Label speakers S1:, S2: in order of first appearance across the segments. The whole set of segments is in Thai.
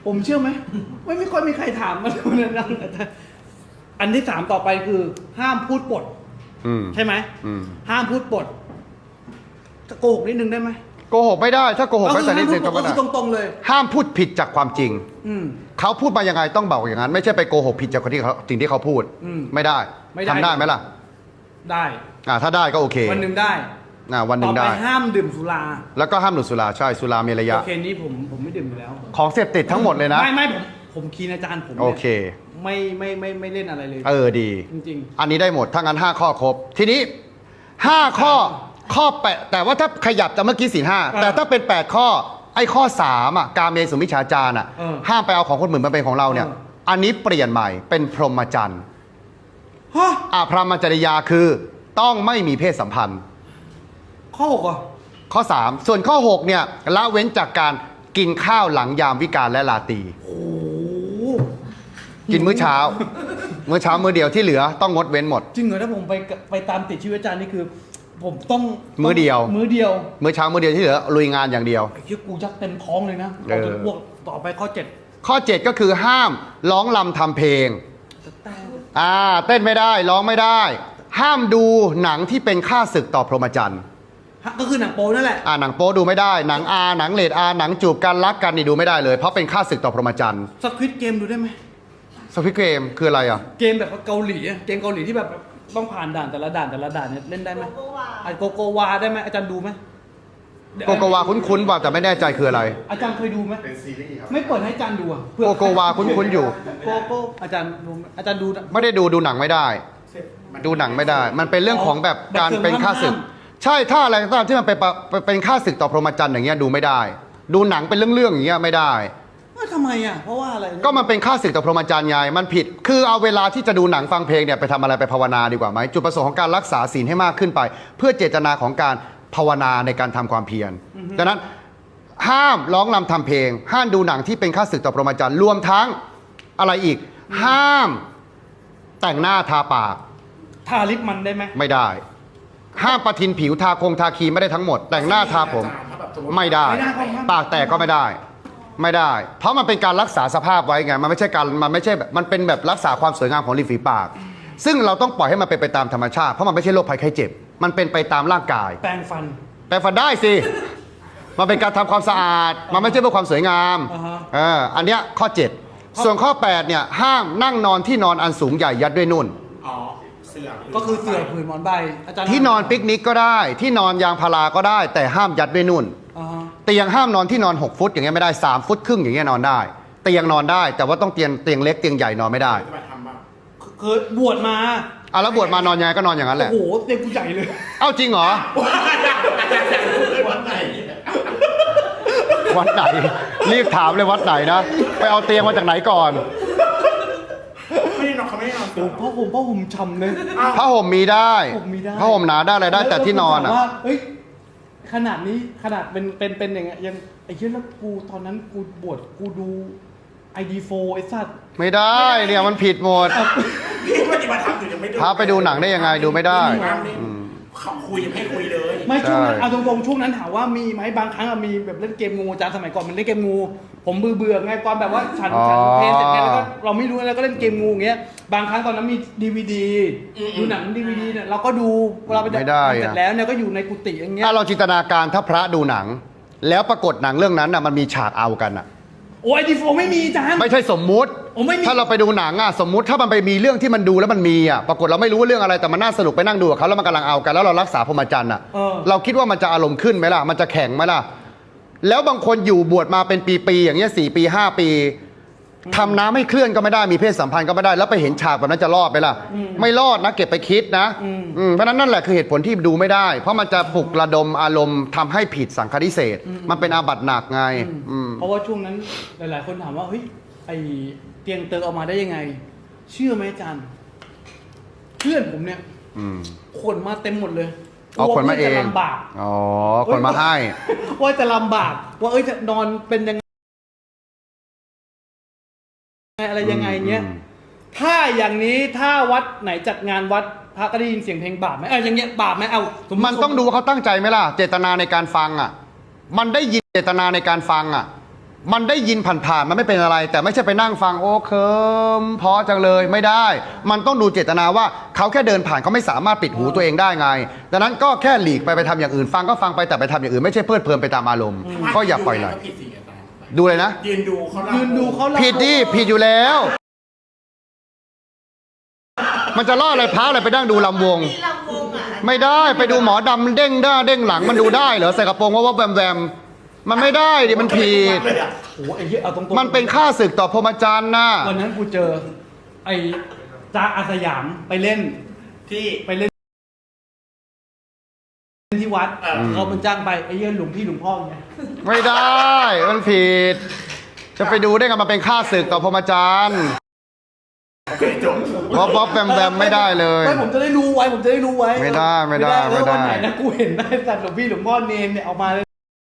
S1: ผมเชื่อไหมไม่ค่อยมีใครถามมาเลยนะอันที่ 3ต่อไปคือ ห้ามพูดปดใช่ไหมห้ามพูดปดโกหกนิดนึงได้ไหม
S2: โกหกไม่ได้ถ้าโกหกไม่แต่นิดนึงก็ไม่ได้
S1: ตรงๆเลย
S2: ห้ามพูดผิดจากความจริงเขาพูดมายังไงต้องบอกอย่างนั้นไม่ใช่ไปโกหกผิดจากคนที่เขาสิ่งที่เขาพูดไม่ได้ทำได้ไหมล่ะ
S1: ได้
S2: ถ้าได้ก็โอเค
S1: วันหนึ่งได้
S2: วันหนึ่งได้
S1: ต่อไปห้ามดื่มสุรา
S2: แล้วก็ห้ามดื่มสุราใช่สุรามีระยะ
S1: โอเคนี้ผมไม่ดื่มอยู่แล้ว
S2: ของเสพติดทั้งหมดเลยนะ
S1: ไม่ผมคีนอาจารย์ผม
S2: โอเค
S1: ไม่เล่นอะไรเลย
S2: ดี
S1: จริง
S2: ๆอันนี้ได้หมดถ้างั้น5ข้อครบทีนี้5ข้อ8แต่ว่าถ้าขยับจากเมื่อกี้ศีล5แต่ถ้าเป็น8ข้อไอ้ข้อ3กาเมสุมิจฉาจารห้ามไปเอาของคนอื่นมาเป็นของเราเนี่ยอันนี้เปลี่ยนใหม่เป็นพรหมจรรย์พรหมจริยาคือต้องไม่มีเพศสัมพันธ์
S1: ข้อ6อ่ะ
S2: ข้อ3ส่วนข้อ6เนี่ยละเว้นจากการกินข้าวหลังยามวิกาลและราตรีกินมื้อเช้ามื้อเดียวที่เหลือต้องงดเว้นหมด
S1: จริงเหรอถ้าผมไปตามติดชีวิตอาจารย์นี่คือผมต้อง
S2: มื้อเดียว
S1: มื้อ
S2: เช้ามื้อเดียวที่เหลือลุยงานอย่างเดียว
S1: ไอ้ที่กูยักเต็มท้องเลยนะต่อไปข้อ7
S2: ก็คือห้ามร้องรำทำเพลงเต้นไม่ได้ร้องไม่ได้ห้ามดูหนังที่เป็นค่าศึกต่อพรหมจรรย์
S1: ก็คือหนังโป๊นั่นแหละ
S2: หนังโป๊ดูไม่ได้หนังหนังเรทหนังจูบกันรักกันนี่ดูไม่ได้เลยเพราะเป็นค่าศึกต่อพรหมจรรย์
S1: สควิดเกมดูได้ไหม
S2: สควิดเกมคืออะไร
S1: เกมแบบเกาหลีเกมเกาหลีที่แบบต้องผ่านด่านแต่ละด่านเนี่ยเล่นได้ไหมโกโกวาได้ไหมอาจารย์ดูไหม
S2: โกโกวาคุ้นๆว่าแต่ไม่แน่ใจคืออะไร
S1: อาจารย์เคยดูไหมเป็นซีรีส์ครับไม่เปิดให้อาจารย์ดู
S2: โกโกวาคุ้นๆอยู่
S1: โกอาจารย์ดู
S2: ไม่ได้ดูหนังไม่ได้ดูหนังไม่ได้มันเป็นเรื่องของแบบการเป็นค่าศึกใช่ถ้าอะไรก็ตามที่มันเป็นค่าศึกต่อพรหมจรรย์อย่างเงี้ยดูไม่ได้ดูหนังเป็นเรื่องๆอย่างเงี้ยไม่ได้
S1: ทำไมเพราะว่าอะไร
S2: ก็มันเป็นค่าศึกต่อพรหมจรรย์ไงมันผิดคือเอาเวลาที่จะดูหนังฟังเพลงเนี่ยไปทำอะไรไปภาวนาดีกว่าไหมจุดประสงค์ของการรักษาศีลให้มากขึ้นไปเพื่อเจตนาของการภาวนาในการทำความเพียรดังนั้นห้ามร้องรำทำเพลงห้ามดูหนังที่เป็นค่าศึกต่อพรหมจรรย์รวมทั้งอะไรอีกห้ามแต่งหน้าทาปาก
S1: ทาลิปมันได้ไหม
S2: ไม่ได้ห้ามประทินผิวทาครีมไม่ได้ทั้งหมดแต่งหน้าทาผมไม่ได้ปากแตกก็ไม่ได้เพราะมันเป็นการรักษาสภาพไว้ไงมันไม่ใช่แบบมันเป็นแบบรักษาความสวยงามของริมฝีปากซึ่งเราต้องปล่อยให้มันเป็นไปตามธรรมชาติเพราะมันไม่ใช่โรคภัยไข้เจ็บมันเป็นไปตามร่างกาย
S1: แปรงฟัน
S2: ได้สิมันเป็นการทำความสะอาดมันไม่ใช่เพื่อความสวยงามอันเนี้ยข้อ7ส่วนข้อ8เนี่ยห้ามนั่งนอนที่นอนอันสูงใหญ่ยัดด้วยนุ่น
S1: ก็คือเสื่อผืนหมอนใบ
S2: ที่นอนปิกนิกก็ได้ที่นอนยางพาราก็ได้แต่ห้ามยัดด้วยนุ่นเตียงห้ามนอนที่นอน6 ฟุตอย่างเงี้ยไม่ได้3 ฟุตครึ่งอย่างเงี้ยนอนได้เตียงนอนได้แต่ว่าต้องเตียงเล็กเตียงใหญ่นอนไม่ได้
S1: คือบวชมา
S2: แล้วบวชมานอนยังไงก็นอนอย่างนั้นแหละ
S1: โอ้โหเตียงกูใหญ่เลย
S2: จริงเหรอวัดไหนรีบถามเลยวัดไหนนะไปเอาเตียงมาจากไหนก่อน
S1: ไม่ได้นอนเขาไม่ได้นอนผ้าห่มฉ่ำเลย
S2: ผ้าห่มมีได้ผ้าห่มหนาได้อะไรได้แต่ที่นอน
S1: ขนาดเป็นอย่างเงี้ยยังไอ้เหี้ยแล้วกูตอนนั้นกูบวชกูดู ID4 ไอ้สัตว์
S2: ไม่ได้เนี่ยมันผิดหมด
S3: พี่ปฏิบัติธรรมอยู่ยังไม่ดู
S2: พาไปดูหนังได้ยังไงดูไม่ได้
S3: เขาคุยให้คุยเลย
S1: ไม่ช่วงนั้นเอาตรงๆช่วงนั้นถามว่ามีไหมบางครั้งมีแบบเล่นเกมงูอาจารย์สมัยก่อนมันเล่นเกมงูผมเบื่อไงตอนแบบว่าฉันเพลงเสร็จแล้วก็เราไม่รู้แล้วก็เล่นเกมงูอย่างเงี้ยบางครั้งตอนนั้นมี DVD ดูหนัง DVD เนี่ยเราก็ดูเวลาไปเสร็จแล้วเนี่ยก็อยู่ในกุฏิอย่างเงี้ย
S2: ถ้าเราจินตนาการถ้าพระดูหนังแล้วปรากฏหนังเรื่องนั้นน่ะมันมีฉากเอากันอ่ะ
S1: โอ้ยID4 ไม่มีจาน
S2: ไม่ใช่สมมุติถ้าเราไปดูหนังสมมุติถ้ามันไปมีเรื่องที่มันดูแล้วมันมีปรากฏเราไม่รู้ว่าเรื่องอะไรแต่มันน่าสนุกไปนั่งดูกับเขาแล้วมันกำลังเอากันแล้วเรารักษาพรหมจรรย์เราคิดว่ามันจะอารมณ์ขึ้นไหมล่ะมันจะแข็งไหมล่ะแล้วบางคนอยู่บวชมาเป็นปีๆอย่างเงี้ย4 ปี 5 ปีทำน้ำให้เคลื่อนก็ไม่ได้มีเพศสัมพันธ์ก็ไม่ได้แล้วไปเห็นฉากแบบนั้นจะรอดไหมล่ะไม่รอดนะเก็บไปคิดนะเพราะนั้นนั่นแหละคือเหตุผลที่ดูไม่ได้เพราะมันจะปลุกระดมอารมณ์ทำให้ผิดสังฆทิเศษมันเป็นอาบัติหนักไง
S1: เพราะว่าช่วงนั้นหลายๆคนถามว่าเฮ้ยไอเตียงเติร์ออกมาได้ยังไงเชื่อไหมอาจารย์เพื่อนผมเนี่ยคนมาเต็มหมดเลย
S2: คนมาเอง
S1: ลำบาก
S2: คนมาให้
S1: ว่าจะลำบากว่าจะนอนเป็นยังอะไรยังไงเงี้ยถ้าอย่างนี้ถ้าวัดไหนจัดงานวัดพระก็ได้ยินเสียงเพลงบาปไหมอย่างเงี้ยบาปไหม
S2: มันต้องดูว่าเขาตั้งใจไหมล่ะเจตนาในการฟังมันได้ยินเจตนาในการฟังมันได้ยินผ่านๆมันไม่เป็นอะไร แต่ไม่ใช่ไปนั่งฟังโอ้เคิมเพราะจังเลยไม่ได้ มันต้องดูเจตนาว่าเขาแค่เดินผ่านเขาไม่สามารถปิดหูตัวเองได้ไงดังนั้นก็แค่หลีกไปทำอย่างอื่นฟังก็ฟังไปแต่ไปทำอย่างอื่นไม่ใช่เพลิดเพลินไปตามอารมณ์ก็อย่าปล่อยไหล
S3: ก็ผิดสิอาจารย์
S2: ดูเลยนะ
S3: ยืนดูเขาเล่า
S1: ยืนดูเขาเล่า
S2: ผิดดิผิดอยู่แล้ว มันจะล่ออะไรพระอะไรไปนั่งดูลำวง
S4: มีลำวงอ่ะ
S2: ไม่ได้ไปดูหมอดำเด้งหน้าเด้งหลังมันดูได้เหรอใส่กระโปรงว่าแวมแวมมันไม่ได้ดิมันผิด
S3: เลยอะ
S1: โอ้โหไอ้เหี้ยเอาตรงๆ
S2: มันเป็นค่าศึกต่อพรหมจรรย์นะ
S1: วันนั้นกูเจอ ไอ้จ๊ะอาสยามไปเล่น
S3: ที่
S1: ไปเล่นที่วัด
S3: เออ
S1: เขาเป็นจ้างไปไอ้เหี้ยหลวงพี่หลวงพ่อไง
S2: ไม่ได้มันผิด จะไปดูได้ไงมันเป็นค่าศึกต่อพรหมจรรย์
S3: โอเคจบ
S2: บ๊อบแวมแวมไม่ได้เลย
S1: ไม่ผมจะได้รู้ไว้ผมจะได้รู้ไว้
S2: ไม่ได้ไม่ได้
S1: แล้ววันไหน
S2: ไม่ได้
S1: นะกูเห็นได้สัตว์หลวงพี่หลวงพ่อเนนเนี่ยเอามาเลย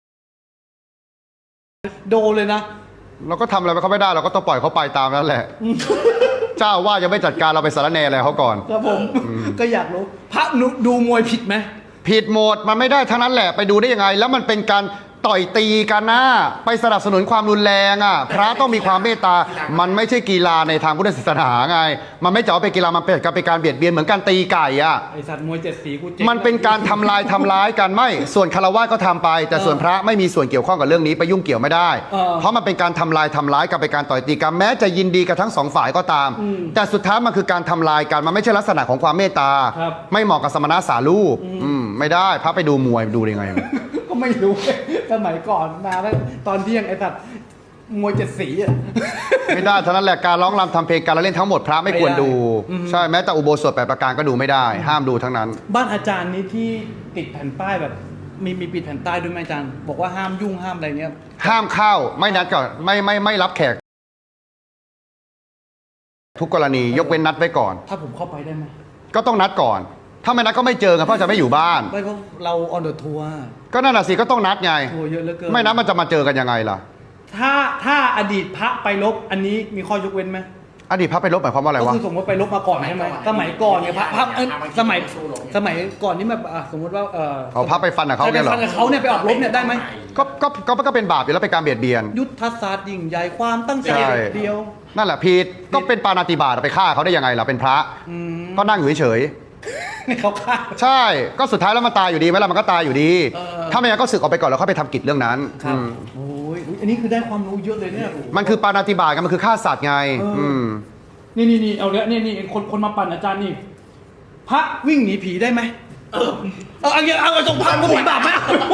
S1: โดนเลยนะ
S2: เราก็ทำอะไรเขาไม่ได้เราก็ต้องปล่อยเขาไปตามนั้นแหละ เจ้าว่ายังไม่จัดการเราไปสารแหนอะไรเขาก่อน
S1: ครับผมก็อยากรู้พระนุดูมวยผิดไหม
S2: ผิดหมดมันไม่ได้ทั้งนั้นแหละไปดูได้ยังไง แล้วมันเป็นการต่อยตีกันนะไปสนับสนุนความรุนแรงอ่ะพระต้องมีความเมตตามันไม่ใช่กีฬาในทางพุทธศาสนาไง มันไม่จะเอาไปกีฬามันเป็นการเบียดเบียนเหมือนการตีไก่อ่ะ
S1: ไอสัตว์มวยเจ็ดสีกูเจ๊ง
S2: มันเป็นการทำร้ายกันไม่ส่วนคารวะก็ทำไป แต่ส่วนพระไม่มีส่วนเกี่ยวข้องกับเรื่องนี้ไปยุ่งเกี่ยวไม่ได้ เพราะมันเป็นการทำร้ายกันเป็นการต่อยตีกันแม้จะยินดีกับทั้งสองฝ่ายก็ตาม แต่สุดท้ายมันคือการทำลายกันมันไม่ใช่ลักษณะของความเมตตา ไม่เหมาะกับสมณะสารูปไม่ได้พระไปดูมวยดูได้ไง
S1: ก็ไม่รู้สมัยก่อนมาแล้วตอนเที่ยงไอสัตว์มวยเจ็ดสีอ่ะ
S2: ไม่ได้เท่านั้นแหละการร้องรำทำเพลงการละเล่นทั้งหมดพระไม่ควรดู ใช่แม้แต่อุโบสถ8ประการก็ดูไม่ได้ ห้ามดูทั้งนั้น
S1: บ้านอาจารย์นี้ที่ติดแผ่นป้ายแบบมีปิดแผ่นป้ายด้วยไหมอาจารย์บอกว่าห้ามยุ่งห้ามอะไรเนี้ย
S2: ห้ามเข้าไม่นัดก่อนไม่รับแขก ทุกกรณียกเว้นนัดไว้ก่อน
S1: ถ้าผมเข้าไปได้ไหม
S2: ก็ต้องนัดก่อน ถ้าไม่นัดก็ไม่เจอกันเพราะจะไม่อยู่บ้าน
S1: ไม่เพราะเราออนเดอะทัวร์
S2: ก็นั่นน่ะสิก็ต้องนัดไง
S1: ทัวร์เยอะเหลือเกิน
S2: ไม่นัดมันจะมาเจอกันยังไงล่ะ
S1: ถ้าอดีตพระไปลบอันนี้มีข้อยกเว้นไหม
S2: อดีตพระไปลบหมายความว่าอะไร
S1: ก็
S2: วะ
S1: คือสมมติไปลบมาก่อนใช่ไหมสมัยก่อนเนี่ยพระสมัยก่อนนี่แบบสมมติว่า
S2: เอาพระไปฟันกับเขาเนี่ยเหรอ
S1: ฟันกับเขาเนี่ยไปออกรบเนี่ยได้ไหม
S2: ก็เป็นบาปอยู่แล้วเป็นการเบียดเบียน
S1: ยุทธศาสตร์ยิ่งใหญ่ความตั้งใจ
S2: ใช่
S1: เดียว
S2: นั่นแหละผิดก็เป็นปาณาติบาตไปฆ่าเขาได้ยังไงล่ะเป็นพระก็นั่งอยู่เฉย
S1: เขาฆ่า
S2: ๆใช่ก็สุดท้ายแล้วมันตายอยู่ดีไหมล่ะมันก็ตายอยู่ดี ถ้าไม่งั้นก็สึกออกไปก่อนแล้วค่อยไปทำกิจเรื่องนั้น
S1: ครับ
S2: อืม
S1: โอ้ยอันนี้คือได้ความรู้เยอะเลยเนี่ย
S2: มันคือปาณาติบาตกันมันคือฆ่าสัตว์ไง ม
S1: นี่เอาละนี่คนมาปั่นอาจารย์นี่พระวิ่งหนีผีได้ไหมเอาตรงพระก็ผีบาปไหม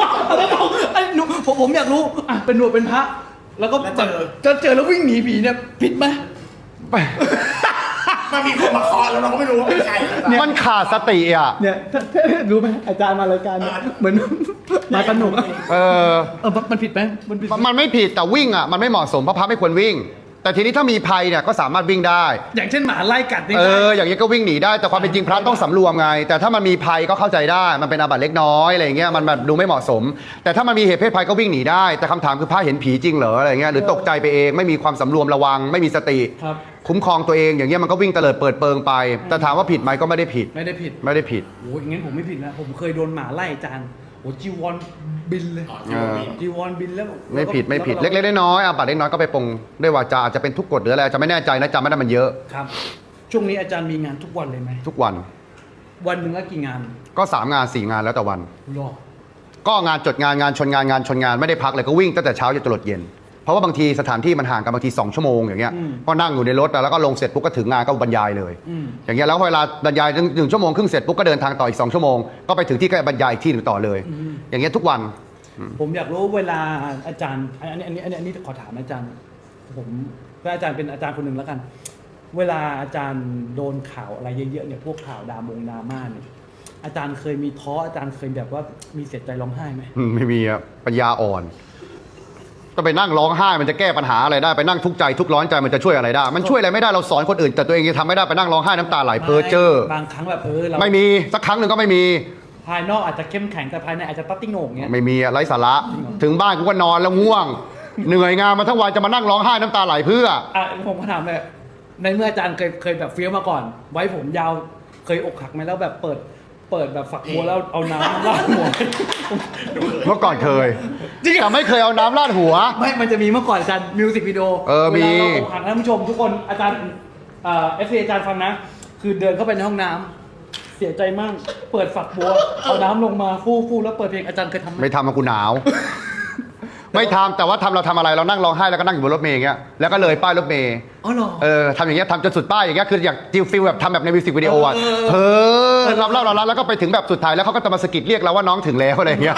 S1: ผมอยากรู้อ่ะเป็นหนวดเป็นพระ แล้วก็เจอแล้ววิ่งหนีผีเนี่ยผิดไหม
S3: มันมีคนมาเคาะแล้วเราก็ไม่รู้ว่าเป็นใคร
S2: มันขาดสติอ่ะ
S1: เนี่ยรู้ไหมอาจารย์มารายการเนี่ยเหมือนมาสนุก
S2: เออ
S1: มันผิดไหมมันผิด
S2: มันไม่ผิดแต่วิ่งอ่ะมันไม่เหมาะสมเพราะพระไม่ควรวิ่ง แต่ทีนี้ถ้ามีภัยเนี่ยก็สามารถวิ่งได้
S1: อย่างเช่นหมาไล่กัดนี่
S2: อย่างนี้ก็วิ่งหนีได้แต่ความเป็นจริงพระต้องสำรวมไง แต่ถ้ามันมีภัยก็เข้าใจได้มันเป็นอาบัติเล็กน้อยอะไรอย่างเงี้ยมันแบบดูไม่เหมาะสม แต่ถ้ามันมีเหตุเพศภัยก็วิ่งหนีได้ แต่คำถามคือพระเห็นผีจริงเหรออะไรเงี้ยหรือตกใจไปเองไม่มีความสำรวมระวังไม่มีสติ
S1: ครับ
S2: คุ้มครองตัวเองอย่างเงี้ยมันก็วิ่งเตลิดเปิดเปิงไป แต่ถามว่าผิดไหมก็ไม่ได้ผิด
S1: ไม่ได้ผิด
S2: ไม่ได้ผิด
S1: โอ้ยงั้นผมไม่ผิดนะผมเคยโดนหมาไล่อาจารย์โอ้จีวรบินเลย จีวรบินแล้ว
S2: ไม่ผิดเล็กๆน้อยๆอาบัติเล็กน้อยก็ไปปรงด้วยวาจาอาจจะเป็นทุกกฎหรืออะไรจะไม่แน่ใจนะจำไม่ได้มันเยอะ
S1: ครับ ช่วงนี้อาจารย์มีงานทุกวันเลยไหม
S2: ทุกวัน
S1: วันหนึ่งก็กี่งาน
S2: ก็3 งาน 4 งานแล้วแต่วัน
S1: รอ
S2: ก็งานจดงานชนงานไม่ได้พักเลยก็วิ่งตั้งแต่เช้าจนตลอดเย็น เพราะว่าบางทีสถานที่มันห่างกันบางที2 ชั่วโมงอย่างเงี้ยก็นั่งอยู่ในรถแล้วก็ลงเสร็จปุ๊บก็ถึงงานก็บรรยายเลย อย่างเงี้ยแล้วเวลาบรรยาย1 ชั่วโมงครึ่งเสร็จปุ๊บก็เดินทางต่ออีก2 ชั่วโมงก็ไปถึงที่ก็บรรยายอีกที่หนึ่งต่อเลย อย่างเงี้ยทุกวัน
S1: ผมอยากรู้เวลาอาจารย์อันนี้ขอถามอาจารย์ ผมเวลาอาจารย์เป็นอาจารย์คนหนึ่งแล้วกัน เวลาอาจารย์โดนข่าวอะไรเยอะๆเนี่ยพวกข่าวดราม่าเนี่ยอาจารย์เคยมีท้ออาจารย์เคยแบบว่ามีเสียใจร้องไห้ไหม
S2: ไม่มีอะปัญญาอ่อนก็ไปนั่งร้องไห้มันจะแก้ปัญหาอะไรได้ไปนั่งทุกข์ใจทุกข์ร้อนใจมันจะช่วยอะไรได้มันช่วยอะไรไม่ได้เราสอนคนอื่นแต่ตัวเองยังทำไม่ได้ไปนั่งร้องไห้น้ำตาไหลเพ้อเจ้อบ
S1: างครั้งแบบเรา
S2: ไม่มีสักครั้งหนึ่งก็ไม่มี
S1: ภายนอกอาจจะเข้มแข็งแต่ภายในอาจจะตัดติ้งโหน่งเงี้ย
S2: ไม่มีอะไร้สาระถึงบ้านกูก็นอนแล้วง่วง เหนื่อยงานมาทั้งวันจะมานั่งร้องไห้น้ำตาไหลเพื่อ
S1: ผมก็ถามเลยในเมื่ออาจารย์เคยแบบเฟี้ยวมาก่อน ไว้ผมยาวเคยอกหักไหมแล้วแบบเปิดเปิดแบบฝักบัวแล้วเอาน้ำราดหัว
S2: เมื่อก่อนเคย
S1: จริงเหรอ
S2: แต่ไม่เคยเอาน้ำราดหัว
S1: ไม่มันจะมีเมื่อก่อนอาจารย์มิวสิกวิดีโอ
S2: มี
S1: เวลาเราอกหักท่านผู้ชมทุกคนอาจารย์FC อาจารย์ฟังนะ คือเดินเข้าไปในห้องน้ำเสียใจมากเปิดฝักบัวเอาน้ำลงมาฟู่แล้วเปิดเพลงอาจารย์เคยทำไหม
S2: ไม่ทำมากูหนาว ไม่ทำแต่ว่าเราทำอะไรเรานั่งร้องไห้แล้วก็นั่งอยู่บนรถเมล์อย่างเงี้ยแล้วก็เลยป้ายรถเมล์
S1: อ๋อเหรอ
S2: ทำอย่างเงี้ยทำจนสุดป้ายอย่างเงี้ยคืออยากจิลฟิลแบบทำแบบในมิวสิกวิดีโออ่ะ
S1: เออ
S2: เราแล้วก็ไปถึงแบบสุดท้ายแล้วเขาก็จะมาสะกิดเรียกเราว่าน้องถึงแล้วอะไรอย่างเงี้ย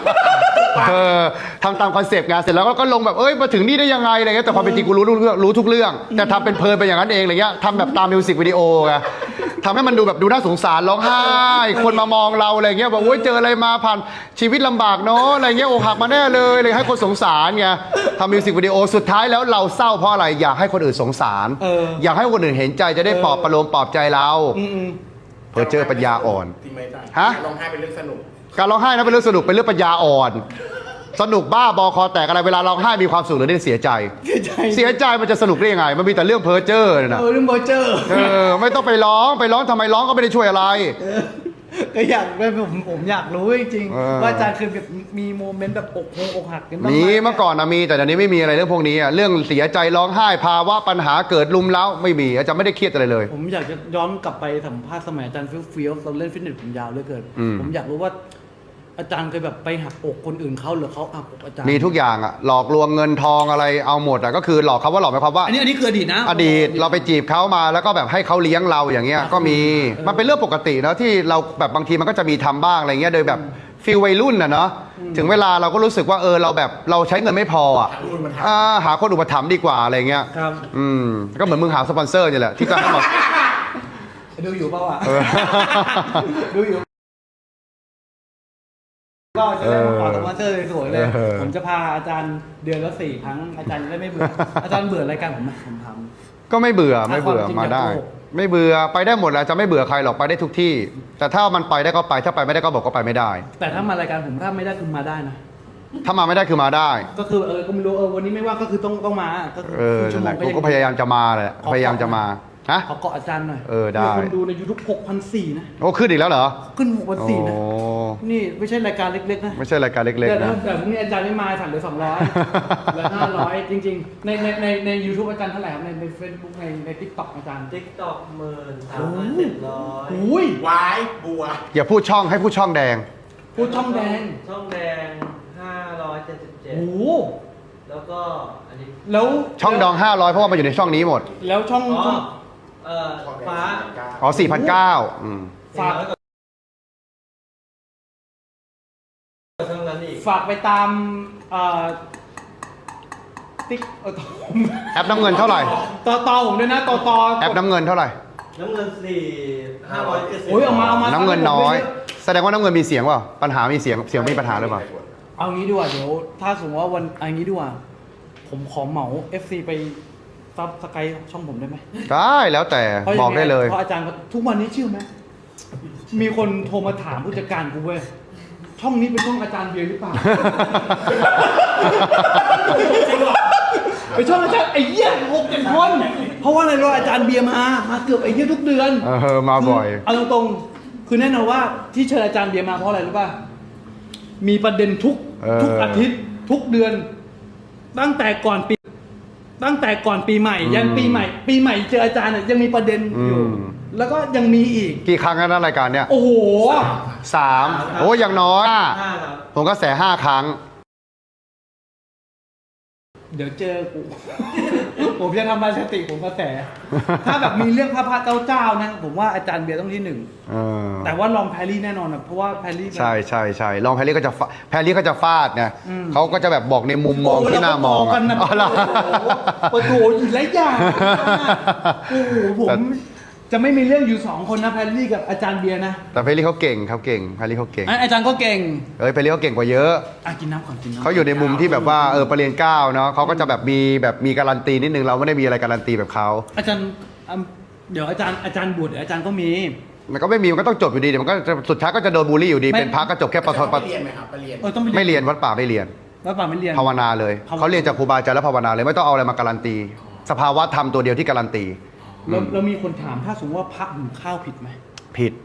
S2: ทำตามคอนเซปต์งานเสร็จแล้วก็ลงแบบมาถึงนี่ได้ยังไงอะไรเงี้ยแต่ความเป็นจริงกูรู้ทุกเรื่องแต่ทำเป็นเพลินไปอย่างนั้นเองอะไรเงี้ยทำแบบตามมิวสิกวิดีโอไงทำให้มันดูแบบดูน่าสงสารร้องไห้คนมามองเราอะไรเงี้ยบอกโอ๊ยเจออะไรมาผ่านชีวิตลำบากเนาะอะไรเงี้ยอกหักมาแน่เลยให้คนสงสารไงทำมิวสิกวิดีโอสุดท้ายแล้วเราเศร้าเพราะอะไรอยากให้คนอื่นสงสารอยากให้คนอื่นเห็นใจจะได้ปลอบประโลมปลอบใจเราเพอเจอปัญญาอ่อน
S3: จริงไหมจ๊ะ
S2: ฮะ
S3: ร้องไห้เป็นเรื่องสนุก
S2: การร้องไห้นะเป็นเรื่องสนุกเป็นเรื่องปัญญาอ่อน สนุกบ้าบอคอแตกอะไรเวลาร้องไห้มีความสุขหรือได้เสียใจ เสียใจมันจะสนุกได้ยังไงมันมีแต่เรื่องเพ้อเจ้อนะ
S1: เรื่องเบอร์เจอร์
S2: ไม่ต้องไปร้องทำไมร้องก็ไม่ได้ช่วยอะไร
S1: ก็อยากผมอยากรู้จริง
S2: เออ
S1: ๆว่าอาจารย์เคยแบบมีโมเมนต์แบบอกหักกันบ้างไห
S2: มีเมื่อก่อนนะมีแต่เดี๋ยวนี้ไม่มีอะไรเรื่องพวกนี้อะเรื่องเสียใจร้องไห้ภาวะปัญหาเกิดลุมเล้าไม่มีอาจารย์ไม่ได้เครียดอะไรเลย
S1: ผมอยากจะย้อนกลับไปสัมภาษณ์สมัยอาจารย์ฟิลเราเล่นฟิตเนสผมยาวเหลือเกิน ผมอยากรู้ว่าอาจารย์เคยแบบไปหักอกคนอื่นเขาหรือเขาหักอกอาจารย์
S2: มีทุกอย่างอะหลอกลวงเงินทองอะไรเอาหมดอะก็คือหลอกเขาว่าหลอกหมายความว่า
S1: อันนี้คืออดีตนะ
S2: อดีตเราไปจีบเขามาแล้วก็แบบให้เขาเลี้ยงเราอย่างเงี้ยก็มีมันเป็นเรื่องปกตินะที่เราแบบบางทีมันก็จะมีทำบ้างอะไรเงี้ยโดยแบบฟีลวัยรุ่นนะเนาะถึงเวลาเราก็รู้สึกว่าเราแบบเราใช้เงินไม่พออ่ะหาคนอุปถัมภ์ดีกว่าอะไรเงี้ย
S1: ครับ
S2: ก็เหมือนมึงหาสปอนเซอร์นี่แหละที่จะให้มา
S1: ดูอยู่เปล่าอ่ะดูอยู่ก็จะได้มาขอสปอนเซอร์สวยๆเลย ผมจะพาอาจารย์เดือนละ4 ครั้งอาจารย์จะได้ไม่เบื่อ อาจารย์เบื่อรายการผมไหมผมทำ
S2: ก็ไม่เบื่อ
S1: ถ้าความจริง
S2: มาได้
S1: อยากโกหก
S2: ไม่เบื่อไปได้หมดแหละจะไม่เบื่อใครหรอกไปได้ทุกที่ แต่ถ้ามันไปได้ก็ไปถ้าไปไม่ได้ก็บอกก็ไปไม่ได้
S1: แต่ถ้ามารายการผมถ้าไม่ได้คือมาได้นะ
S2: ถ้ามาไม่ได้คือมาได้
S1: ก็คือก็ไม่รู้วันนี้ไม่ว่างก็คือต้องมาก็คือครึ่งชั่วโม
S2: นั่น
S1: ง
S2: แหละกูก็พยายามจะมาแหละพยายามจะมาฮะ
S1: ขอเกาะอาจารย์หน่อย
S2: ได้
S1: มีคนดูใน YouTube 6,400นะ
S2: โอ้ขึ้นอีกแล้วเหรอ
S1: ขึ้น6,400นะ
S2: โอ้
S1: นี่ไม่ใช่รายการเล็กๆนะ
S2: ไม่ใช่รายการเล็ก
S1: แต่
S2: ๆนะ
S1: แต่พรุ่งนี้อาจารย์ไม่มาสั่งเหลือ200เหลือ500จริงๆใน YouTube อาจารย์เท่าไหร่ครับใน Facebook ใน TikTok อาจารย์
S4: TikTok 13,700
S1: อุ้ยว
S3: ายบัว
S2: อย่าพูดช่องให้พูดช่องแดง
S1: พูดช่องแดง
S4: ช่องแดง
S1: โอ้โห
S4: 577 แล้วก็อันนี้
S1: แล้ว
S2: ช่องดอง500เพราะว่ามันอยู่ในช่องนี้หมด
S1: แล้วช่อง
S4: ฟ้า
S2: อ๋อ4,900อืม
S1: ฝาก
S4: ช่องนั้นอีก
S1: ฝากไปตามติ๊ก
S2: แอปน้ำเงินเท่าไหร่
S1: ต่อผมด้วยนะต่อ
S2: แอปน้ำเงินเท่าไหร่
S4: น้ำเงิน570
S1: โอ้ยเอามา
S2: น้ำเงินน้อย แสดงว่าน้ำเงินมีเสียงเปล่าปัญหามีเสียงมีปัญหาหรือเปล่า
S1: เอางี้ดีกว่าเดี๋ยวถ้าสมมติว่าวันเอางี้ดีกว่าผมขอเหมา FC ไปซับสไครต์ช่องผมได้ไหม
S2: ได้แล้วแต่
S1: พราะยัง
S2: บอกได้เลย
S1: เพราะอาจารย์ทุกวันนี้เชื่อไหมมีคนโทรมาถามผู้จัดการกูเว้ยช่องนี้เป็นช่องอาจารย์เบียร์หรือเปล่า ไปช่องอาจารย์ไอ้เหี้ย6-7 คนเพราะว่าอะไรรู้อาจารย์เบียร์มาเกือบไอ้เหี้ยทุกเดือน
S2: มาบ่อย
S1: เอาตรงๆคือแน่นอนว่าที่เชิญอาจารย์เบียร์มาเพราะอะไรรู้ป่ะมีประเด็นทุกอาทิตย์ทุกเดือน ตั้งแต่ก่อนปีใหม่ยันปีใหม่เจออาจารย์เนี่ยยังมีประเด็นอยู่ แล้วก็ยังมีอีก
S2: กี่ครั้งแล้วนะรายการเนี้ย
S1: โอ้โห
S2: 3โอ้อย่างน้อย
S4: 5ครับ
S2: ผมก็แส5 ครั้ง
S1: เดี๋ยวเจอกู ผมจะทำลายสติผมกระแส ถ้าแบบมีเรื่องพระเจ้านะผมว่าอาจารย์เบียร์ต้องที่ 1แต่ว่าลองแพรรี่แน่นอนนะเพราะว่าแพรรี่
S2: ใช่ลองแพรรี่ก็จะฟาดไงเขาก็จะแบบบอกในมุมมองที่น่ามอง
S1: กันนะ
S2: อ๋อเหรอ
S1: โอ้โหอีกหลายอย่างโอ้โหผมจะไม่มีเรื่องอยู่2 คนนะแพรรี่กับอาจารย์เบียร์นะ
S2: แต่แพรรี่เขาเก่งแพรรี่เขาเก่ง
S1: อาจารย์ก็เก่ง
S2: แพรรี่เขาเก่งกว่าเยอะ
S1: กินน้ำก่อนกินน้ำ
S2: เขาอยู่ในมุมที่แบบว่าประเรียน9เนาะเขาก็จะแบบมีการันตีนิดนึงเราไม่ได้มีอะไรการันตีแบบเขา
S1: อาจารย์เดี๋ยวอาจารย์บวชเดี๋ยวอาจารย์ก็มี
S2: มันก็ไม่มีมันก็ต้องจบอยู่ดีเดี๋ยวมันก็จะสุดท้ายก็จะโดนบูลลี่อยู่ดี
S1: ไม่
S2: เป็นพระก็จบแค่ปท
S3: ไปเรียนไหมครับไปเรียน
S1: ต้อง
S2: ไม่เรียนวัดป่าไม่เรียน
S1: วัดป่าไม่เรียน
S2: ภาวนาเลย
S1: ภาวนา
S2: เขาเรียนจากครูบาอาจารย์แล้วภาวนาเลยไม่ต้องเอาอะไรมาการันตี สภาวะธรรมตัวเดียวที่การันตี
S1: แล้วมีคนถามถ้าสมมติว่าพระหุงข้าวผิดไหม
S2: ผิด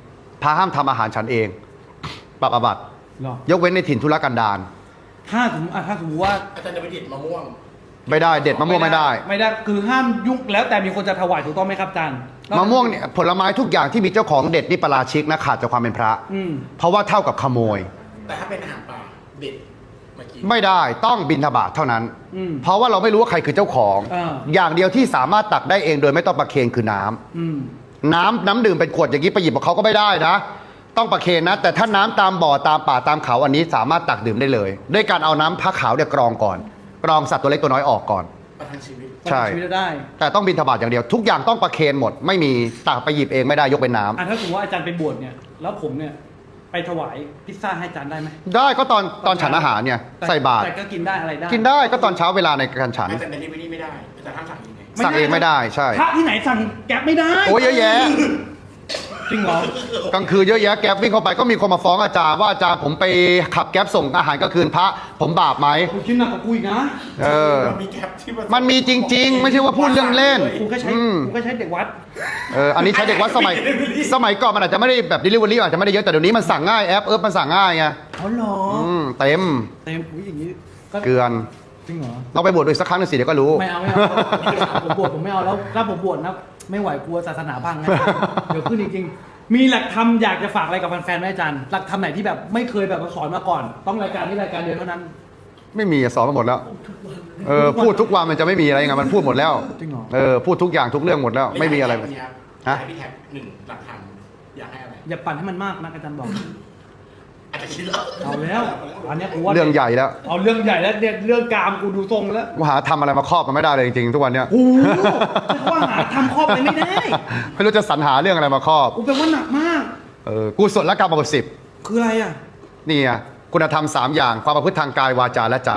S2: พระห้ามทำอาหารฉันเองปรับอาบัติ
S1: หรอย
S2: กเว้นในถิ่นทุรกันดาร
S1: ถ้าสมมติถ้าสมมติว่า
S3: อาจารย์จะไปเด็ดมะม่วง
S2: ไม่ได้เด็ดมะม่วงไม่ได้
S1: ไม่ได้คือห้ามยุ่งแล้วแต่มีคนจะถวายถูกต้องไหมครับอาจารย์
S2: มะม่วงเนี่ยผลไม้ทุกอย่างที่มีเจ้าของเด็ดนี่ปาราชิกนะขาดจากความเป็นพระ
S1: อืม
S2: เพราะว่าเท่ากับขโมย
S3: แต่ถ้าเป็นอาหารป่าเด็ดเมื่อกี้
S2: ไม่ได้ต้องบิณฑบาตเท่านั้น
S1: อืม
S2: เพราะว่าเราไม่รู้ว่าใครคือเจ้าของ อย่างเดียวที่สามารถตักได้เองโดยไม่ต้องประเคนคือน้ำ
S1: อืม
S2: น้ำดื่มเป็นขวดอย่างนี้ไปหยิบของเขาก็ไม่ได้นะ ต้องประเคนนะ แต่ถ้าน้ำตามบ่อตามป่าตามเขาอันนี้สามารถตักดื่มได้เลย ด้วยการเอาน้ำพระขาวเนี่ยกรองก่อน กรองสัตว์ตัวเล็กตัวน้อยออกก่อน
S3: ประทังชีวิต
S2: ใช่
S1: ชีวิตได้
S2: แต่ต้องบิณฑบาตอย่างเดียวทุกอย่างต้องประเคนหมด ไม่มีตักไปหยิบเองไม่ได้ยกเป็นน้ำ
S1: ถ้าสมมติว่าอาจารย์ไปบวชเนี่ยแล้วผมเนี่ยไปถวายพิซซ่าให้อาจารย์ได้ไหม
S2: ได้ก็ตอนฉันอาหารเนี่ยใส่บาตร
S1: แต่ก็กินได้อะไรได้
S2: กินได้ก็ตอนเช้าเวลาในการฉัน
S3: แต่ในที่นี่ไม่ได้แต่ห้ามสั่งยังไง
S2: สั่งเองไม่ได้ใช่
S1: พระที่ไหนสั่งแก๊ปไม่ได้
S2: โอ้ยเยอะแยะ
S1: จริงเหรอก
S2: ลางคืนเยอะแยะแก๊ปวิ่งเข้าไปก็มีคนมาฟ้องอาจารย์ว่าอาจารย์ผมไปขับแก๊ปส่งอาหารกลางคืนพระผมบาปไหม
S1: กูคิดหนักกว่ากูอีกนะ
S2: เออ
S3: มีแคปที่
S2: มันมีจริง ๆ ไม่ใช่ว่าพูดเรื่องเล่น
S1: กูก็ใช้
S2: อืม
S1: กูก็ใช้เด็กวัด
S2: อันนี้ใช้เด็กวัดสมัยก่อนมันอาจจะไม่ได้แบบ delivery อาจจะไม่ได้เยอะแต่เดี๋ยวนี้มันสั่งง่ายแอปมันสั่งง่ายไง
S1: อ๋อเหรอ
S2: เต็ม
S1: เต็มอุ้ยอย่างนี้ก็
S2: เกลือน
S1: จริงเหรอ
S2: เราไปบวชดูอีกสักครั้งหนึงสิเดี๋ยวก็รู้
S1: ไม่เอาผมบวชผมไม่เอาแล้วถ้าผมบวชนะไม่ไหวกลัวศาสนาพังนะ เดี๋ยวขึ้นจริงๆมีหลักธรรมอยากจะฝากอะไรกับแฟนๆไหมอาจารย์หลักธรรมไหนที่แบบไม่เคยแบบมาสอนมาก่อน ต้องรายการนี้รายการเดียวเท่านั้น
S2: ไม่มีสอนมาหมดแล้วพูดทุกวันมันจะไม่มีอะไรไงมันพูดหมดแล้ว
S1: จริงเหรอ
S2: พูดทุกอย่างทุกเรื่องหมดแล้วไม่มีอะไร
S3: วันนี้ครับ
S2: ฮะ
S3: ให้พี่แท็กหนึ่งหลักธรรมอยากให้อะไร
S1: อย่าปั่นให้มันมากนะอาจารย์บอก
S3: อาจจะคิดแล้ว
S1: เอาแล้วอันเนี้ยกูว่า
S2: เรื่องใหญ่แล้ว
S1: เอาเรื่องใหญ่แล้วเนี่ยเรื่องกามกูดูทรงแล้ว
S2: ว่าหาทำอะไรมาครอบมันไม่ได้เลยจริงๆทุกวันเนี้ย
S1: โอ้โหว่าหาทำครอบไปไม่ได้
S2: ไม่รู้จะสรรหาเรื่องอะไรมาครอบ
S1: กูแปลว่าหนักมาก
S2: กุศลกรรมบทสิบ
S1: คืออะไรอ่ะ
S2: นี่ไงคุณธรรม3อย่างความประพฤติทางกายวาจาและใจ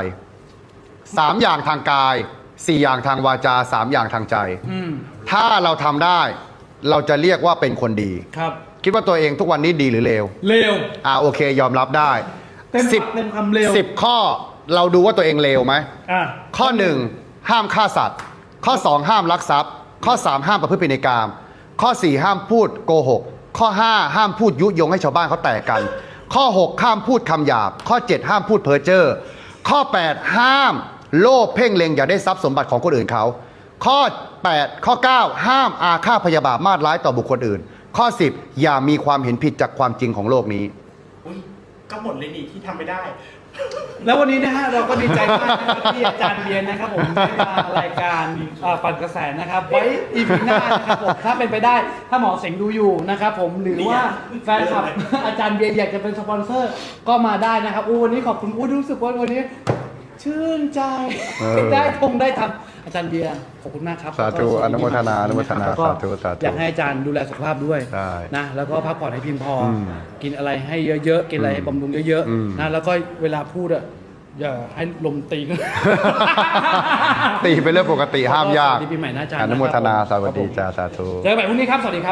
S2: 3อย่างทางกาย4อย่างทางวาจา3อย่างทางใจ
S1: อืม
S2: ถ้าเราทำได้เราจะเรียกว่าเป็นคนดี
S1: ครับ
S2: คิดว่าตัวเองทุกวันนี้ดีหรือเลว
S1: เร็ว
S2: โอเคยอมรับได้
S1: เต็มปากเต็มคำเร็ว
S2: 10 ข้อเราดูว่าตัวเองเลวไหม
S1: อ่ะ
S2: ข้อ 1 ห้ามฆ่าสัตว์ ข้อ 2 ห้ามลักทรัพย์ ข้อ 3 ห้ามประพฤติผิดในกาม ข้อ 4 ห้ามพูดโกหก ข้อ 5 ห้ามพูดยุยงให้ชาวบ้านเขาแตกกัน ข้อ 6 ห้ามพูดคำหยาบ ข้อ 7 ห้ามพูดเพ้อเจ้อข้อ 8 ห้ามโลภเพ่งเล็งอยากได้ทรัพย์สมบัติของคนอื่นเขา ข้อ 8 ข้อ 9 ห้ามอาฆาตพยาบาทมาตร้ายต่อบุคคลอื่น ข้อ 10 อย่ามีความเห็นผิดจากความจริงของโลกนี้
S3: อุ้ยก็หมดเลยนี่ที่ทำไม่ได้
S1: แล้ววันนี้นะฮะเราก็ดีใจมากนะครับที่อาจารย์เบียนนะครับผมได้มารายการปั่นกระแสนะครับ ไว้อีพีหน้านะครับผมถ้าเป็นไปได้ถ้าหมอเสงดูอยู่นะครับผมหรือว่าแฟนคลับ อาจารย์เบียนอยากจะเป็นสปอนเซอร์ก็มาได้นะครับวันนี้ขอบคุณรู้สึกว่าวันนี้ ชื่นใจได้ทำอาจารย์เบียร์ขอบคุณมากครับ
S2: สาธุ
S1: แล้วก็
S2: อนุโมทนาอนุโมทนา
S1: แล้วก็
S2: สาธุสาธุ
S1: อยากให้อาจารย์ดูแลสุขภาพด้วย
S2: ใช่
S1: นะแล้วก็พักผ่อนให้เพียงพออ
S2: ม
S1: กินอะไรให้เยอะๆกินอะไรให้บำรุงเยอะ
S2: อืม
S1: ๆนะแล้วก็เวลาพูดอะอย่าให้ลมตีกัน
S2: ตีเป็นเรื่องปกติห้ามยาก
S1: สวัสดีปีใหม่นะอาจารย์
S2: อนุโมทนา
S1: นะค
S2: ส
S1: รับผม
S2: วัสดีจ้าสาธุ
S1: เจอกันใหม่พรุ่งนี้ครับสวัสดีครับ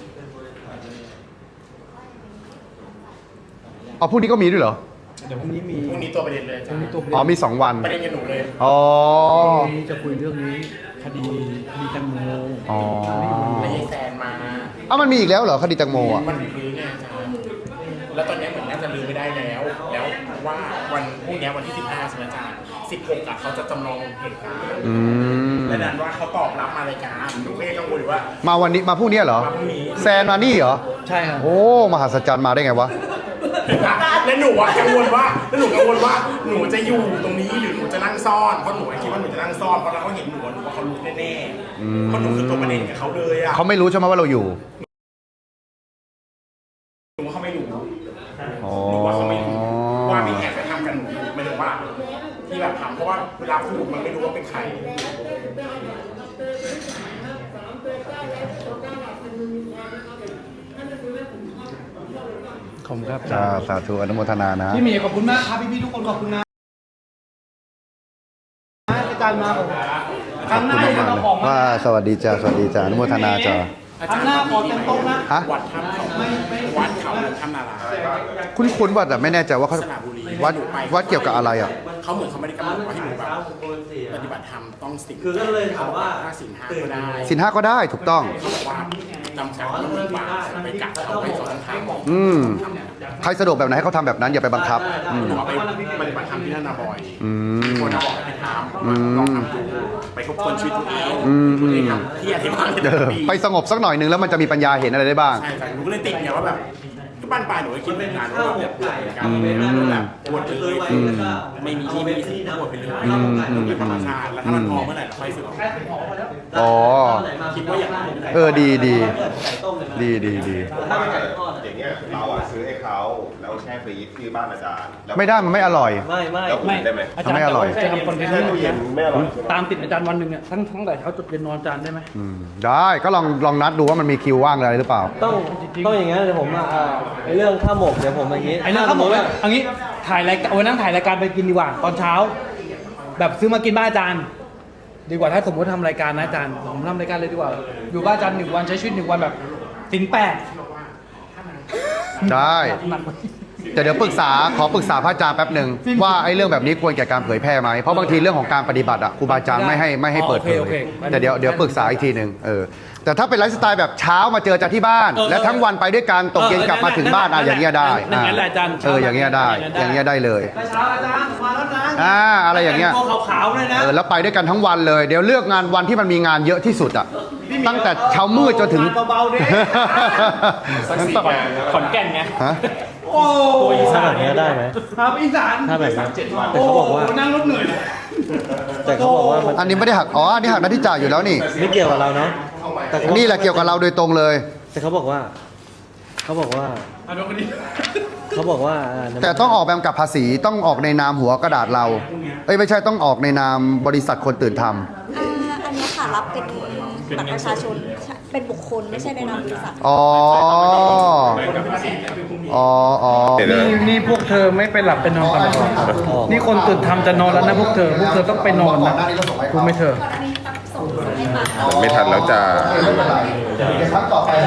S2: พรุ่งนี้ก็มีด้วยเหรอ
S1: เดี๋ยวพรุ่งนี้มี
S3: พรุ่งนี้ตัวประเด็นเลยอา
S1: พ
S3: จาร
S1: รุ่ง
S3: ย์
S1: นี้ตัว
S2: มี2 วัน
S3: ประเด็นกับหนูเลย
S2: อ๋อ
S1: พรุ่งนี้จะคุยเรื่องนี้คดีแตงโม
S2: อ๋อ
S3: แล้วยายแซนมา
S2: มันมีอีกแล้วเหรอคดีแตงโมอ่ะ
S3: มันลื้อไงอาจารย์แล้วตอนนี้เหมือนน่าจะลื้อไม่ได้แล้ว แล้วว่าวันพรุ่งนี้วันที่ 15ใช่ไหมอาจารย์16อะเขาจะจำลองเหตุการณ์
S2: อืม
S3: และดันว่าเขาตอบรับมารายการหนูก็ยังกังวลอยู่ว่า
S2: มาวันนี้มาพรุ่งนี้เหรอ
S3: มาพรุ่งนี้
S2: แซนมานี่เหรอ
S1: ใช่ครับ
S2: โอ้ มหัศจรรย์มาได้ไงวะ
S3: แล้วหนูอะกังวลว่าหนูจะอยู่ตรงนี้หรือหนูจะนั่งซ่อนเพราะหนูคิดว่าหนูจะนั่งซ่อนเพราะเราก็เห็นหนูว่าเขารู้แน่ๆเพราะหนูคือตัวประเด็นกับเขาเลยอะ
S2: เขาไม่รู้ใช่ไหมว่าเราอยู่
S3: หนูว่าเขาไม่รู้
S2: อ๋อ
S3: หนูว่าเขาไม่รู้ว่ามีแอบไปทำกันหนูไม่ถึงว่าที่แบบทำเพราะว่าเวลาพูดมันไม่รู้ว่าเป็นใคร
S1: ขอบคุณครับ
S2: จ้าสาธุอนุโมทนานะ
S1: พี่หมีขอบคุณมากครับพี่ๆทุกคนขอบคุณนะอาจารย์มาผมครั้งหน้าจะเอาของมา
S2: ว่าสวัสดีจ้าสวัสดีจ้าอนุโมทนาจ้า
S1: ครั้งหน้าขอเต็มโต๊ะนะ
S2: ฮะ
S3: วัดถ้ำเขาวัดเขาถ้ำนารา
S2: คุ้นๆว่าแต่ไม่แน่ใจว่าเขา
S3: สระบุรี
S2: วัดเกี่ยวกับอะไรอ่ะ
S3: เขาเหมือนเขาไม่ได้กำหนดว่าให้หนูแบบปฏิบัติธรรมต้องสิ่ง
S4: คือก็เลยถามว่า
S3: ถ้าสิ่งห้าก็ได้
S2: สินห้าก็ได้ถูกต้อง
S3: เขาบอกว่านำแสงน้ำมันปลาไปกัดเอาไปสอนทาง
S2: ใครสะดวกแบบไหนให้เขาทำแบบนั้นอย่าไปบังคับ
S3: หนูเอาไปปฏิบัติธรรมที่นั่นนะบ่อย
S2: อืม
S3: คนบอกให้ไปทำลองทำดูไปทบทวนชีวิตตัวเองตัวเองที่อธิบายในแต่ละปี
S2: ไปสงบสักหน่อยนึงแล้วมันจะมีปัญญาเห็นอะไรได้บ้าง
S3: ใช่ใช่หนูก็เลยติดไงว่าแบบก็บ้านปลายหนูก็คิดเหมือนกันว่าแบบการแบบปวดไปเลยไม่มีที่ไม่มีที่ปวดไปเลยเป็นธรรมชาติแล้วถ้ามันพอเมื่อไหร่เราค่อยฝึก
S2: อ๋อ
S3: คิดว่าอย่างนั้น
S2: ดี
S4: ไก่ต้มเลย
S2: ดี
S4: ถ้าเป็นไก่ทอด
S5: อย่างเงี้ยเราอะซื้อให้เขาแล้วแช่ฟรีซที่บ้านอาจารย์แล้ว
S2: ไม่ได้มันไม่อร่อย
S4: ไม่
S5: แล้วอุ่นได้ไหม
S1: อาจารย์
S2: ไม่อร่อย
S1: จะทำคอนเทนต์ให้ดู
S5: เย็
S1: นะ
S5: นไม่อร่อย
S1: ตามติดอาจารย์วันหนึ่งเนี่ยทั้งแต่เช้าจนเย็นนอนอาจารย์ได้ไหม
S2: ได้ก็ลองนัดดูว่ามันมีคิวว่างอะไรหรือเปล่า
S4: ต้องอย่างงั้นเดี๋ยวผมไอ้เรื่องข้าวหมกเดี๋ยวผมอย่างงี้
S1: ไอ้เรื่องเขาบอกว่าเอันนี้ถ่ายรายการวันนั้นถ่ายรายการไปกินดีกว่าตอนเช้า แบบซื้อมากินบ้านอาจารย์ ดีกว่าถ้าสมมติทำรายการนะอาจารย์ผมทำรายการเลยดีกว่า อยู่บ้านอาจารย์1 วันใช้ชีวิต1 วันแบบสินแปด
S2: ได้
S1: หนัก
S2: แต่เดี๋ยวขอปรึกษาพระอาจารย์แป๊บหนึ่งว่าไอ้เรื่องแบบนี้ควรแก่การเผยแพร่ไหมเพราะบางทีเรื่องของการปฏิบัติอ่ะครูบาอาจารย์ไม่ให้เปิดเผยแต่เดี๋ยวปรึกษาอีกทีหนึ่งแต่ถ้าเป็นไลฟ์สไตล์แบบเช้ามาเจอจากที่บ้าน และทั้งวันไปด้วยกันตกเย็นกลับมาถึงบ้านอย่างเงี้ยได้
S1: นั่นแหละอาจารย์
S2: อย่างเงี้ยได้เลย
S1: เช้าอาจารย์มาแล้วนะ
S2: อะไรอย่างเงี้ย
S1: ตัวขาวๆเลยนะ
S2: แล้วไปด้วยกันทั้งวันเลยเดี๋ยวเลือกงานวันที่มันมีงานเยอะที่สุดอ่ะตั้งแต่เช้ามืดจนถึง
S1: เบาๆดิ ขอนแก่นไง
S2: ฮะ
S1: โอ้
S4: ตัวอีสานเนี้ยได้ไหม
S1: ครับอีสาน
S4: ถ้าแบบนั้นแต่
S1: โอ้
S4: เขาบอกว่า
S1: นั่งรถเหนื่อยเลย
S4: แต่เขาบอกว่ามัน
S2: อันนี้ไม่ได้หักอันนี้หักหน้าที่จ่ายอยู่แล้วนี่
S4: ไม่เกี่ยวกับเราเนาะแต่เขา
S2: นี่แหละเกี่ยวกับเราโดยตรงเลย
S4: แต่เขาบอกว่า
S2: แต่ต้องออกแบบกับภาษีต้องออกในนามหัวกระดาษเราไม่ใช่ต้องออกในนามบริษัทคนตื่นทำ
S6: อันนี้ค่ะรับเป็นบัตรประชาชนเป็นบุคคลไม่ใช่ในนามบริษัท
S1: นี่พวกเธอไม่ไปหลับไปนอนกันหรอนี่คนตื่นทำจะนอนแล้วนะพวกเธอต้องไปนอนนะรู้ไหมเธอ
S5: ไม่ทันแล้วจ้า
S2: ไม่เป็นไร